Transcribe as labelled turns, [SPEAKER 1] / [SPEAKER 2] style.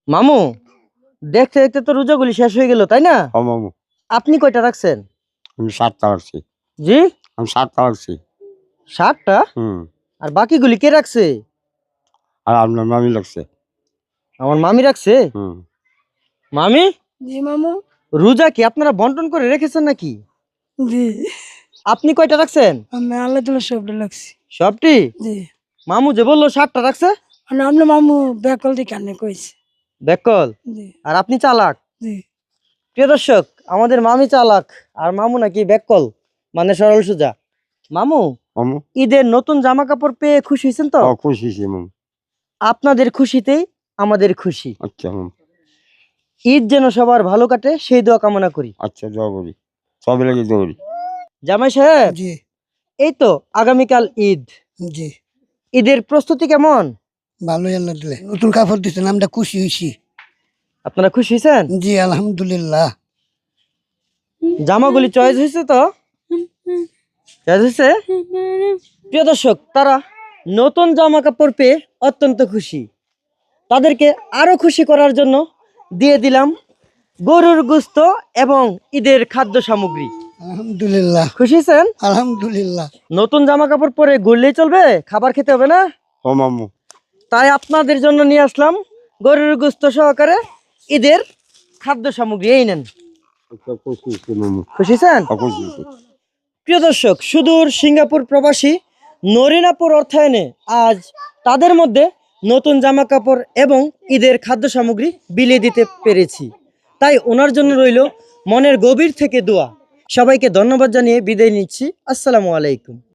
[SPEAKER 1] মামু, দেখতে দেখতে তো রোজাগুলি শেষ হয়ে গেল, তাই না?
[SPEAKER 2] ও মামু,
[SPEAKER 1] আপনি কয়টা রাখছেন?
[SPEAKER 2] আমি 7টা রাখছি।
[SPEAKER 1] জি,
[SPEAKER 2] আমি 7টা রাখছি।
[SPEAKER 1] 7টা?
[SPEAKER 2] হুম।
[SPEAKER 1] আর বাকিগুলি কে রাখছে?
[SPEAKER 2] আর আপনার মামি লাগছে।
[SPEAKER 1] আমার মামি রাখছে।
[SPEAKER 2] হুম।
[SPEAKER 1] মামি,
[SPEAKER 3] জি মামু।
[SPEAKER 1] রোজা কি আপনারা বন্টন করে রেখেছেন নাকি?
[SPEAKER 3] জি,
[SPEAKER 1] আপনি কয়টা রাখছেন?
[SPEAKER 3] আমি আল্লাহ তালা সবটা লাগছি।
[SPEAKER 1] সবটি?
[SPEAKER 3] জি,
[SPEAKER 1] মামু যে বললো 7টা রাখছে।
[SPEAKER 3] মানে আপনার মামু ব্যাকল দিয়ে কানে কইছে।
[SPEAKER 1] বেকল।
[SPEAKER 3] জি
[SPEAKER 1] আর আপনি চালাক।
[SPEAKER 3] জি।
[SPEAKER 1] প্রিয় দর্শক, আমাদের মামি চালাক আর মামু নাকি বেকল, মানে সরল সোজা। মামু,
[SPEAKER 2] মামু,
[SPEAKER 1] ঈদের নতুন জামা কাপড় পেয়ে খুশি হয়েছেন তো?
[SPEAKER 2] খুশি হয়েছি মামু।
[SPEAKER 1] আপনাদের খুশিতেই আমাদের খুশি।
[SPEAKER 2] আচ্ছা মামু,
[SPEAKER 1] ঈদ যেন সবার ভালো কাটে সেই দোয়া কামনা করি।
[SPEAKER 2] আচ্ছা দোয়া করি, সবে লাগে দোয়া করি।
[SPEAKER 1] জামাই সাহেব,
[SPEAKER 3] জি
[SPEAKER 1] এই তো আগামীকাল ঈদ।
[SPEAKER 3] জি,
[SPEAKER 1] ঈদের প্রস্তুতি কেমন?
[SPEAKER 3] ভালোই আল্লাহ দিলে নতুন কাপড় দিচ্ছেন, আমরা খুশি হয়েছি।
[SPEAKER 1] আপনারা খুশি হয়েছেন?
[SPEAKER 3] জি আলহামদুলিল্লাহ।
[SPEAKER 1] জামাগুলি চয়েস হয়েছে তো? চয়েস হয়েছে? প্রিয় দর্শক, তারা নতুন জামা কাপড় পেয়ে অত্যন্ত খুশি। তাদেরকে আরো খুশি করার জন্য দিয়ে দিলাম গরুর গোস্ত এবং ঈদের খাদ্য সামগ্রী।
[SPEAKER 3] আলহামদুলিল্লাহ
[SPEAKER 1] খুশি হয়েছেন?
[SPEAKER 3] আলহামদুলিল্লাহ।
[SPEAKER 1] নতুন জামা কাপড় পরে ঘুরলেই চলবে, খাবার খেতে হবে না।
[SPEAKER 2] ও মামু,
[SPEAKER 1] তাই আপনাদের জন্য নিয়ে আসলাম গরুর গোস্ত সহকারে ঈদের খাদ্য সামগ্রী। এই নেন।
[SPEAKER 2] আচ্ছা খুশি হয়েছি মামু।
[SPEAKER 1] খুশি হয়েছেন?
[SPEAKER 2] খুশি হয়েছি।
[SPEAKER 1] প্রিয় দর্শক, সুদূর সিঙ্গাপুর প্রবাসী নরিনাপুর অর্থায়নে আজ তাদের মধ্যে নতুন জামা কাপড় এবং ঈদের খাদ্য সামগ্রী বিলিয়ে দিতে পেরেছি। তাই ওনার জন্য রইল মনের গভীর থেকে দোয়া। সবাইকে ধন্যবাদ জানিয়ে বিদায় নিচ্ছি। আসসালামু আলাইকুম।